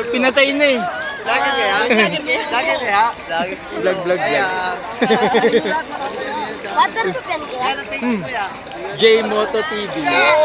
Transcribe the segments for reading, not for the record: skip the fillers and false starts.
Pag pinatay na eh. Lagi kaya? Lagi kaya? Vlog yan. Water soup yan kaya? Yan ang page ko ya. J Moto TV.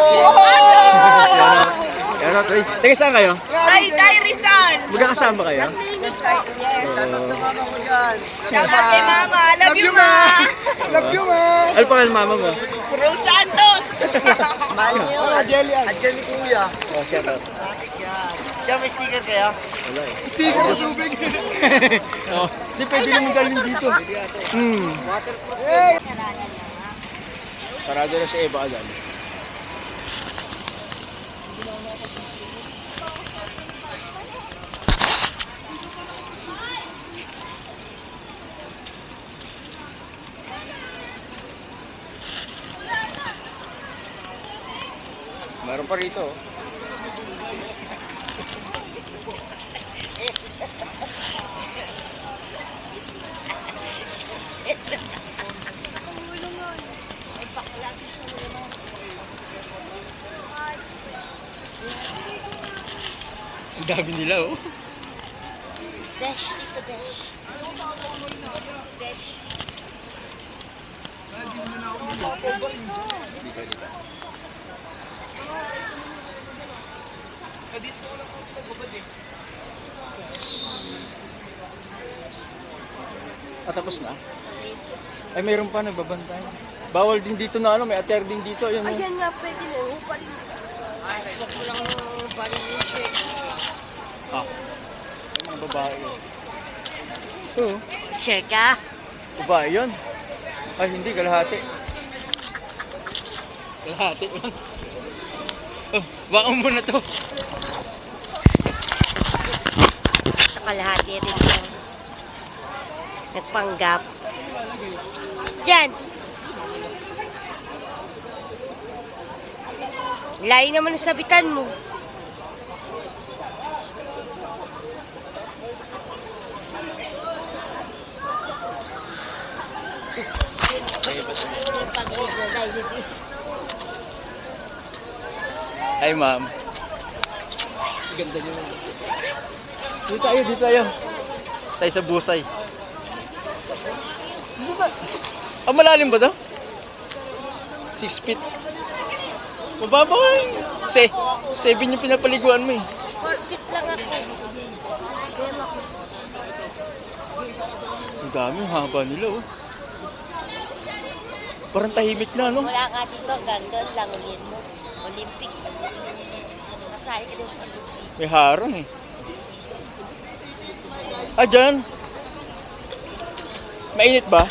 Yan o. Teka, saan kayo? Ay, Rizal! Magkakasama kayo? Shoutout sa mama ko dyan. Dapat kay Mama. Love you, Ma! Love you, ma! Ano pangalan mama mo? Rose Santos! Mahal niyo. Jelly. At dyan ni Kuya. Oh, shout out. Bakit yan? Kaya may sticker kaya? Wala eh. Sticker na tubig. Oh, di pwede naman galing dito. Hey! Sarado na sa Eva agad. Meron pa rito. Ang dami nila oh. Besh, ito Besh. Besh. Tapos na? Ay, mayroon pa nagbabantay. Bawal din dito na ano, may ater din dito. Ayun, oh. Ayan nga, pwede mo. Uparin. Huwag mo lang uparin yung shirt. Ah. Ay, mga babae yun. Oo. Shirt ka? Babae yun. Ay, hindi, kalahati. Kalahati lang. Oh, baka mo na to. Kalahati rin yan. Nagpanggap. Diyan. Layo naman ang sabitan mo. Ay, ma'am. Ganda niyo. Dito tayo, dito tayo. Tayo sa busay. Ah, malalim ba to? 6 feet. Mababa ka eh. 7 yung pinapaliguan mo eh. 4 feet lang ako. Ang dami, ang haba nila oh. Parang tahimik na, no? Wala ka dito, hanggang doon lang ulit mo. Olympic. Nasali ka doon sa Olympic. May harang eh. Ah, dyan. Mainit ba?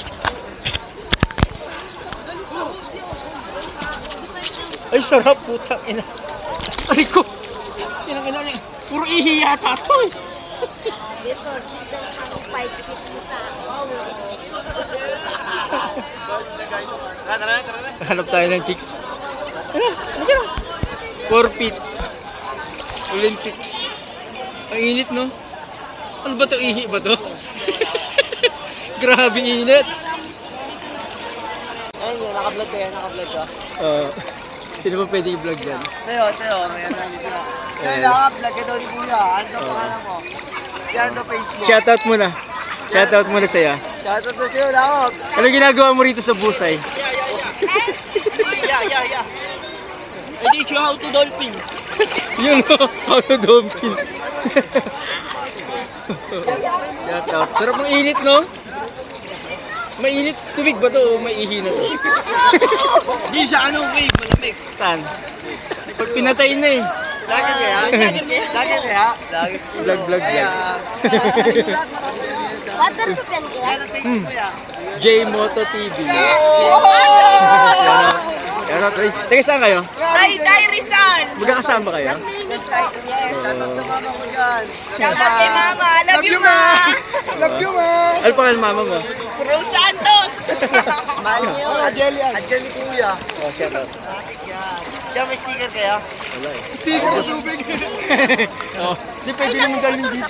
Ay, sarap, putang ina. Ay ko. Inang ina niya. Puro ihi yata to eh. Dito, dito ang 5 feet mo sa Hanap tayo ng chicks. Ano? Ano? 4 feet. Olympic. Ang init, no? Ano ba to? Ihi ba to? Grabe init. Ayun yun, naka-vlog ka yan, naka-vlog ka. Sino ba pwede i-vlog dyan? Tayo, may ano dito na. Tayo, naka-vlog ka daw ni Kuya. Ano daw pangalan mo? Yan daw Facebook. Shoutout muna. Shoutout muna sa'yo. Shoutout na sa'yo, lakot. Ano ginagawa mo rito sa busay? Yeah. I teach you how to dolphin. Yun o, how to dumping. Shoutout. Sarap ng init, no? Mainit. Tubig ba to o maihi na to? Di sa ano, wave, malamig. Saan? Pag pinatay na eh. Lagi kaya? Lagi kaya? Vlog yan. Water soup yan kaya? Yan ang page ko ya. J Moto TV. Yan o. Teka, saan kayo? Ay, Rizal! Magkakasama kayo? Shoutout sa mama ko dyan. Dapat kay Mama. Love you, Ma! Love you, ma! Ano pangalan mama mo? Rose Santos! Mahal niyo. Jelly. At dyan ni Kuya. Oh, shoutout. Bakit yan? Kaya may sticker kaya? Wala eh. Sticker na tubig. Oh, di pwede naman galing dito.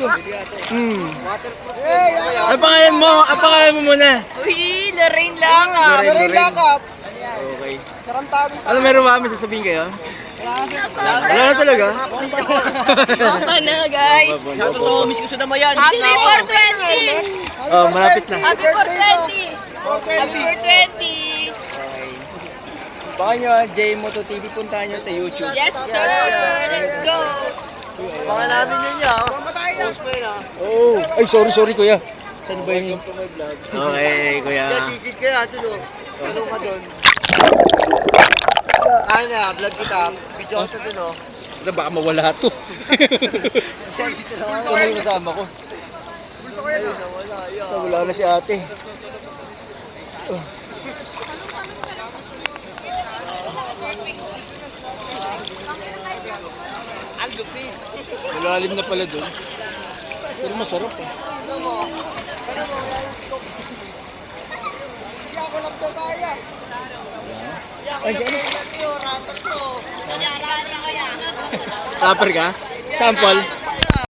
Hey! Ano pangalan mo? Ano pangalan mo muna? Uy, Lorraine lang ah. Lorraine. Lakap. Okay. Karantabi. Ano meron ba kami sasabihin kayo? Wala na talaga. Baba na, guys. Shout out sa homies ko sa Damayan. Happy 420! Oh, malapit na. Happy 420! Happy 420! Baka nyo, J-Moto TV, puntahan nyo sa YouTube. Yes, sir! Let's go! Baka namin yun niya. Post mo yun ah. Oh, ay sorry kuya. Saan ba yun? Okay, kuya. Kaya sisid ka na, tulo. Tulo ka doon. Ano na, vlog kita. Video ko sa dun oh. Baka mawala to. Ano yung kasama ko? Ayun, nawala. Ayun. Wala na si ate. Ang lupit. Malalim na pala doon. Pero masarap eh. Hindi ako lang to kaya. Ay, dyan. Rapper to. Rapper ka? Sample?